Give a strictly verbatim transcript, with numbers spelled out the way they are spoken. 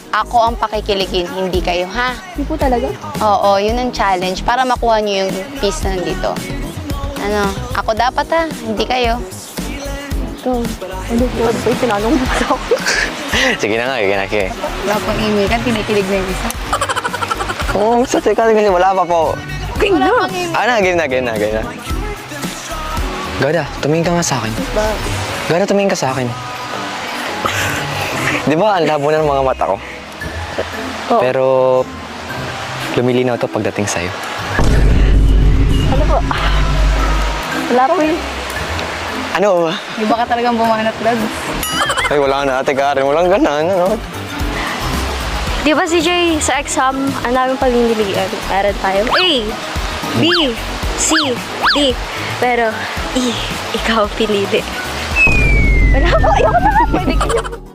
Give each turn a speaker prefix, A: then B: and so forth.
A: ako ang pakikiligin, hindi kayo, ha?
B: Hindi po talaga.
A: Oo, yun ang challenge para makuha niyo yung peace na nandito. Ano, ako dapat ha, hindi kayo.
B: Ito, ano po? Ano po yung tinanong mo sa ako?
C: Sige na nga, sige na, sige.
A: Wala pang email ka, tinikilig na yung isa.
C: Oo, sa teka kasi wala pa po.
B: Okay na.
C: Ah, na, game na, game na, game na. Gada, tumingin ka nga sa akin. Gada, tumingin ka sa akin. Di ba, ang labo na ng mga mata ko?
B: Oo.
C: Pero, lumilinaw to pagdating sa'yo.
B: Ano po? Wala po yun.
C: Ano ba?
A: Di ba ka talagang bumanat, Lods?
C: Ay, wala na, ate Karen. Walang ganan, ano?
B: Di ba si Jay, sa exam, ang daming pagniniligan. Meron tayo A, B, C, D. Pero, E, ikaw pinili. Wala po, ayoko na. Pwede kayo.